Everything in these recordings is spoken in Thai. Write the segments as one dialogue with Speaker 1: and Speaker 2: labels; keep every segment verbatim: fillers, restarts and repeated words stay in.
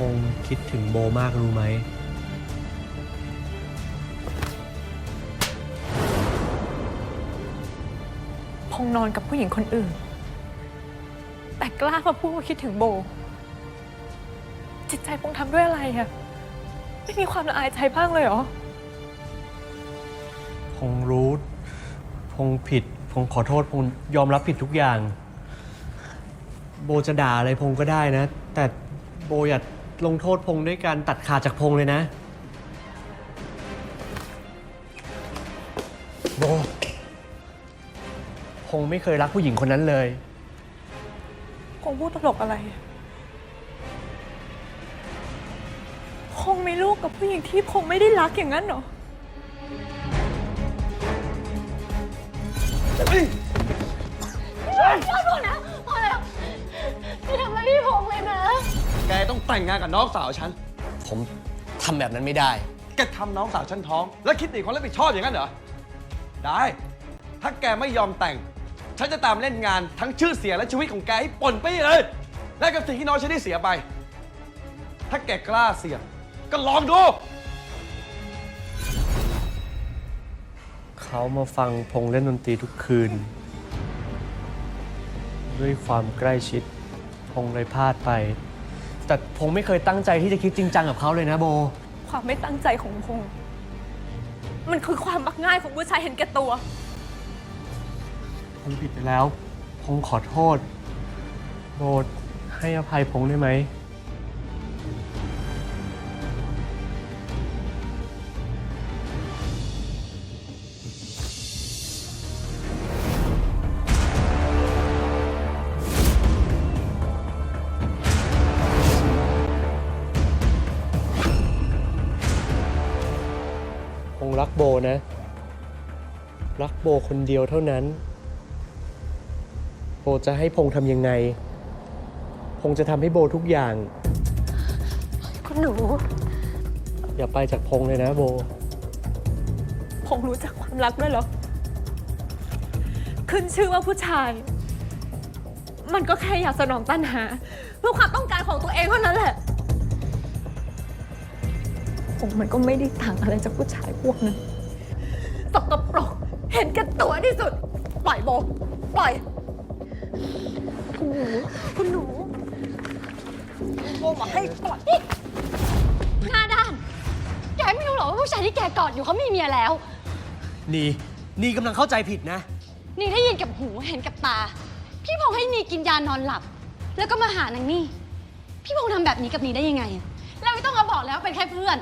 Speaker 1: งคิดถึงโบมากรู้ไหม
Speaker 2: พงนอนกับผู้หญิงคนอื่นแต่กล้ามาพูดว่าคิดถึงโบจิตใจพงทำด้วยอะไรอะไม่มีความละอายใจบ้างเลยเหรอ
Speaker 1: พงรู้พงผิดพงขอโทษพงยอมรับผิดทุกอย่างโบจะด่าอะไรพงก็ได้นะแต่โบอย่าลงโทษพงด้วยการตัดขาดจากพงเลยนะโบพงไม่เคยรักผู้หญิงคนนั้นเลย
Speaker 2: พงพูดตลกอะไรพงมีลูกกับผู้หญิงที่พงไม่ได้รักอย่างนั้นเหรอ
Speaker 3: พอพอแล้วพอแล้วจะทำอะไรพี่พงเลยนะ
Speaker 4: แกต้องแต่งงานกับน้องสาวฉัน
Speaker 1: ผมทำแบบนั้นไม่ได้
Speaker 4: แกทำน้องสาวฉันท้องแล้วคิดหนีความรับผิดชอบอย่างนั้นเหรอได้ถ้าแกไม่ยอมแต่งฉันจะตามเล่นงานทั้งชื่อเสียงและชีวิตของแกให้ป่นไปเลยและกับสิ่งที่น้องฉันได้เสียไปถ้าแกกล้าเสี่ยงก็ลองดู
Speaker 1: เขามาฟังพงเล่นดนตรีทุกคืนด้วยความใกล้ชิดพงเลยพลาดไปแต่พงไม่เคยตั้งใจที่จะคิดจริงจังกับเขาเลยนะโบ
Speaker 2: ความไม่ตั้งใจของพงมันคือความมักง่ายของผู้ชายเห็นแก่ตัว
Speaker 1: พงผิดไปแล้วพงขอโทษโบให้อภัยพงได้ไหมพงรักโบนะรักโบคนเดียวเท่านั้นโบจะให้พงทำยังไงพงจะทำให้โบทุกอย่าง
Speaker 3: คุณหนู
Speaker 1: อย่าไปจากพงเลยนะโบ
Speaker 2: พงรู้จักความรักด้วยเหรอขึ้นชื่อว่าผู้ชายมันก็แค่อยากสนองตัณหาเพื่อความต้องการของตัวเองเท่านั้นแหละพงมันก็ไม่ได้ต่างอะไรจากผู้ชายพวกนั้นตกตะปรกเห็นแก่ตัวที่สุดปล่อยโบปล่อย
Speaker 3: คุณหนูคุณหนูโบบอกให้ปล่อยหน้าด้านแกไม่รู้หรอว่าผู้ชายที่แกกอดอยู่เขามีเมียแล้ว
Speaker 1: นี่นี่กำลังเข้าใจผิดนะ
Speaker 3: นี่ได้ยินกับหูเห็นกับตาพี่พงษ์ให้นี่กินยานอนหลับแล้วก็มาหานางนี่พี่พงษ์ทำแบบนี้กับนี่ได้ยังไงแล้วไม่ต้องมาบอกแล้วเป็นแค่เพื่อน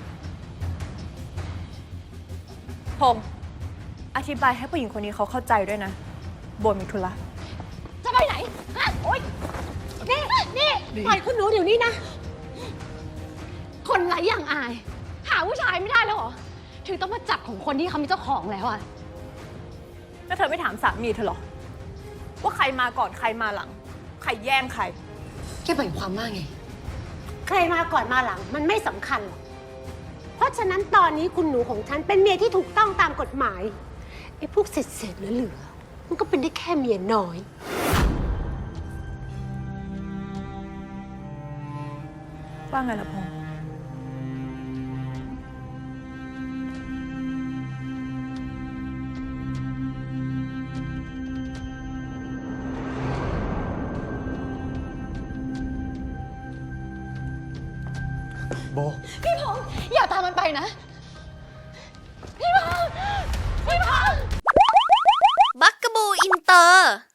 Speaker 2: พงษ์อธิบายให้ผู้หญิงคนนี้เขาเข้าใจด้วยนะโบมีธุระ
Speaker 3: จะไปไหนฮะโอ๊ยนี่นี่ปล่อยคุณหนูเดี๋ยวนี้นะคนไร้อย่างอายหาผู้ชายไม่ได้แล้วเหรอถึงต้องมาจับของคนที่เขามีเจ้าของแล้วอะ
Speaker 2: แล้วเธอไม่ถามสามีเธอหรอว่าใครมาก่อนใครมาหลังใครแย่งใคร
Speaker 3: แกหมายความว่าไงใครมาก่อนมาหลังมันไม่สำคัญหรอกเพราะฉะนั้นตอนนี้คุณหนูของฉันเป็นเมียที่ถูกต้องตามกฎหมายไอ้พวกเศษๆเหลือๆมันก็เป็นได้แค่เมียน้อย
Speaker 2: ว่าไงล่ะพงษ์
Speaker 1: โบ
Speaker 3: พี่พงษ์อย่าตามมันไปนะพี่พงษ์พี่พงษ์
Speaker 5: บักกะบูอินเตอร์